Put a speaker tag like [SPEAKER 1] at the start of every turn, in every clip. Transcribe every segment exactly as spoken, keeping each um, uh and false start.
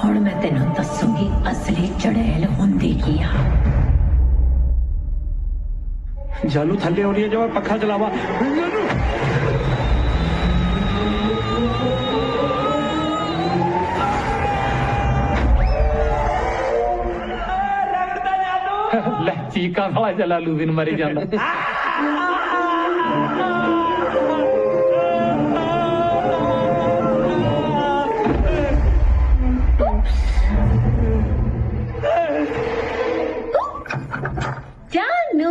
[SPEAKER 1] हुण मैं तेनों दसूंगी असली चुड़ैल हुंदी की आ।
[SPEAKER 2] जालू थल्ले होनी है जो मैं पखा चलावा।
[SPEAKER 3] ਲੈ ਚੀਕਾਂ ਵਾਲਾ ਜਲਾਲੂ ਦਿਨ ਮਰੀ ਜਾਂਦਾ।
[SPEAKER 1] जानू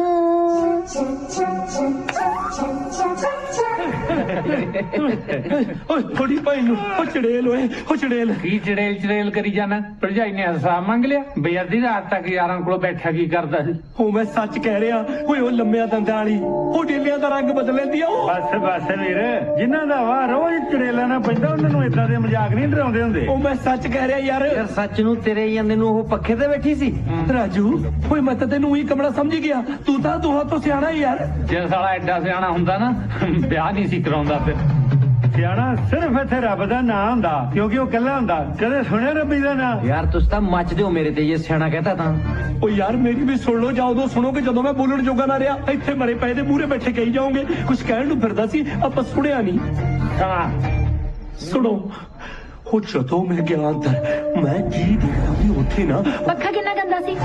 [SPEAKER 2] थोड़ी भाई चड़ेल होए चड़ेल
[SPEAKER 3] ਕੀ ਚੜੇਲ ਚੜੇਲ ਕਰੀ ਜਾਣਾ? ਭਰਜਾਈ ਨੇ ਹਿਸਾਬ ਮੰਗ ਲਿਆ ਬਈ ਅੱਧੀ ਰਾਤ ਤੱਕ ਯਾਰਾਂ ਕੋਲ ਬੈਠਾ ਕੀ ਕਰਦਾ ਸੀ?
[SPEAKER 2] ਉਹ ਮੈਂ ਸੱਚ ਕਹਿ ਰਿਹਾ ਓਏ ਉਹ ਲੰਮਿਆਂ ਦੰਦਾਂ ਵਾਲੀ ਉਹ ਡੇਲਿਆਂ ਦਾ ਰੰਗ ਬਦਲ ਲੈਂਦੀ ਆ ਉਹ।
[SPEAKER 4] ਬਸ ਬਸ ਵੀਰ, ਜਿਨ੍ਹਾਂ ਦਾ ਵਾ ਰੋਜ਼ ਚੜੇਲਾ ਨਾ ਪੈਂਦਾ ਉਹਨਾਂ ਨੂੰ ਏਦਾਂ ਦੇ ਮਜ਼ਾਕ ਨਹੀਂ ਡਰਾਉਂਦੇ ਹੁੰਦੇ।
[SPEAKER 2] ਉਹ ਮੈਂ ਸੱਚ ਕਹਿ ਰਿਹਾ ਯਾਰ।
[SPEAKER 5] ਯਾਰ ਸੱਚ ਨੂੰ ਤੇਰੇ ਜਾਂਦੇ ਨੂੰ ਉਹ ਪੱਖੇ ਤੇ ਬੈਠੀ ਸੀ।
[SPEAKER 2] ਰਾਜੂ ਓਏ ਮੈਂ ਤਾਂ ਤੈਨੂੰ ਉਹੀ ਕਮਲਾ ਸਮਝ ਗਿਆ, ਤੂੰ ਤਾਂ ਦੋਹਾਂ ਤੋਂ ਸਿਆਣਾ ਯਾਰ।
[SPEAKER 3] ਜੇ ਸਾਲਾ ਐਡਾ ਸਿਆਣਾ ਹੁੰਦਾ ਨਾ ਵਿਆਹ ਨਹੀਂ ਸੀ ਕਰਾਉਂਦਾ। ਫਿਰ
[SPEAKER 4] ਸਿਆਣਾ ਸਿਰਫ ਇੱਥੇ ਰੱਬ ਦਾ ਨਾਂ ਹੁੰਦਾ, ਕਿਉਂਕਿ ਉਹ ਇਕੱਲਾ ਹੁੰਦਾ। ਕਦੇ ਸੁਣਿਆ ਰੱਬੀ ਦਾ ਨਾਂ?
[SPEAKER 5] ਯਾਰ ਤੁਸੀਂ ਤਾਂ ਮੱਚਦੇ ਹੋ ਮੇਰੇ ਤੇ, ਜੇ ਸਿਆਣਾ ਕਹਤਾ ਤਾਂ।
[SPEAKER 2] ਉਹ ਯਾਰ ਮੇਰੀ ਵੀ ਸੁਣ ਲਓ, ਜਾਂ ਉਦੋਂ ਸੁਣੋਗੇ ਜਦੋਂ ਮੈਂ ਬੋਲਣ ਜੋਗਾ ਨਾ ਰਿਹਾ। ਇੱਥੇ ਮਰੇ ਪਏ ਦੇ ਮੂਹਰੇ ਬੈਠੇ ਕਹੀ ਜਾਓਗੇ ਕੁਝ ਕਹਿਣ ਨੂੰ ਫਿਰਦਾ ਸੀ, ਆਪਾਂ ਸੁਣਿਆ ਨਹੀਂ।
[SPEAKER 3] ਹਾਂ
[SPEAKER 2] ਸੁਣੋ, ਉਹ ਜਦੋਂ ਮੈਂ ਗਿਆ ਅੰਦਰ ਮੈਂ ਜੀ ਦੇਖਦਾ ਵੀ ਉੱਥੇ ਨਾ
[SPEAKER 1] पक्खा कितना गंदा सी।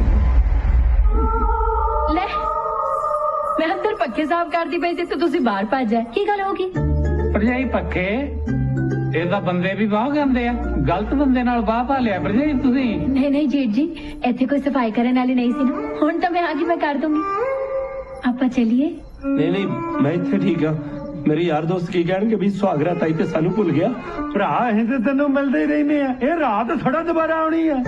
[SPEAKER 1] ले मैं अंदर पक्के साफ करती पई सी ते तुसी बाहर भज जाए, की गल होगी?
[SPEAKER 3] ਭਰਜਾਈ ਪੱਕੇ ਇਹ ਤਾਂ ਬੰਦੇ ਵੀ ਬਾਹ ਗੰਦੇ ਆ, ਗਲਤ ਬੰਦੇ ਨਾਲ ਬਾਹ ਪਾ ਲਿਆ ਭਰਜਾਈ ਤੁਸੀਂ।
[SPEAKER 1] नहीं नहीं जेठ जी, इत्थे कोई सफाई करने वाली नहीं सी ना। हुण तो मैं आगे मैं कर दूंगी। आपा चलिए।
[SPEAKER 2] ਨਹੀਂ ਨਹੀਂ ਮੈਂ ਇੱਥੇ ਠੀਕ ਆ। ਮੇਰੇ ਯਾਰ ਦੋਸਤ ਕੀ ਕਹਿਣਗੇ ਵੀ ਸੁਹਾਗਰਾ ਤਾਈ ਤੇ ਸਾਨੂੰ ਭੁੱਲ ਗਿਆ।
[SPEAKER 4] ਭਰਾ ਅਸੀਂ ਤੇ ਤੈਨੂੰ ਮਿਲਦੇ ਹੀ ਰਹਿੰਦੇ ਆ, ਇਹ ਰਾਤ ਥੋੜਾ ਦੁਬਾਰਾ ਆਉਣੀ ਆ।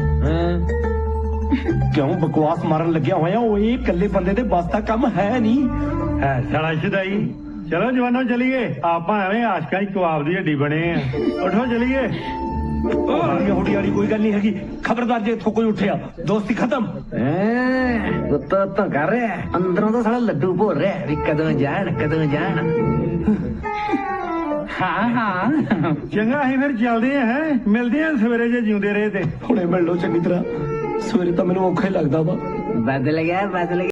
[SPEAKER 2] ਕਿਉਂ ਬਕਵਾਸ ਮਾਰਨ ਲੱਗਿਆ ਹੋਇਆ? ਉਹ ਇਹ ਇਕੱਲੇ ਬੰਦੇ ਦੇ ਬਸ ਦਾ ਕੰਮ ਹੈ ਨਹੀਂ।
[SPEAKER 4] ਹੈ ਸਾਲਾ ਸ਼ਦਾਈ। ਚਲੋ ਜਵਾਨੋ ਚਲੀਏ, ਆਪਾਂ ਐਵੇਂ ਆਸ਼ਕਾਂ ਦੀ ਕਬਾਬ ਦੀ ਹੱਡੀ ਬਣੇ ਆ। ਉਠੋ ਚਲੀਏ।
[SPEAKER 2] ਹੋੜੀ ਹੋੜੀ ਵਾਲੀ ਕੋਈ ਗੱਲ ਨਹੀਂ ਹੈਗੀ। ਖਬਰਦਾਰ ਜੇ ਇੱਥੋਂ ਕੋਈ ਉੱਠਿਆ ਦੋਸਤੀ ਖਤਮ।
[SPEAKER 5] ਉੱਤੋਂ ਉੱਤੋਂ ਕਰ ਰਿਹਾ, ਅੰਦਰੋਂ ਤਾਂ ਸਾਲਾ ਲੱਡੂ ਭੋਰ ਰਿਹਾ ਵੀ ਕਦੋਂ ਜਾਣ ਕਦੋਂ ਜਾਣ।
[SPEAKER 3] ਹਾਂ ਹਾਂ
[SPEAKER 4] ਚੰਗਾ ਅਸੀਂ ਫਿਰ ਚੱਲਦੇ ਆ, ਹੈ ਮਿਲਦੇ ਆ ਸਵੇਰੇ ਜੇ ਜਿਉਂਦੇ ਰਹੇ ਤੇ।
[SPEAKER 2] ਹੁਣੇ ਮਿਲ ਲਓ ਚੰਗੀ ਤਰ੍ਹਾਂ, ਸਵੇਰੇ ਤਾਂ ਮੈਨੂੰ ਔਖਾ ਹੀ ਲੱਗਦਾ ਵਾ।
[SPEAKER 5] ਬਦਲ ਗਿਆ ਬਦਲ ਗਿਆ।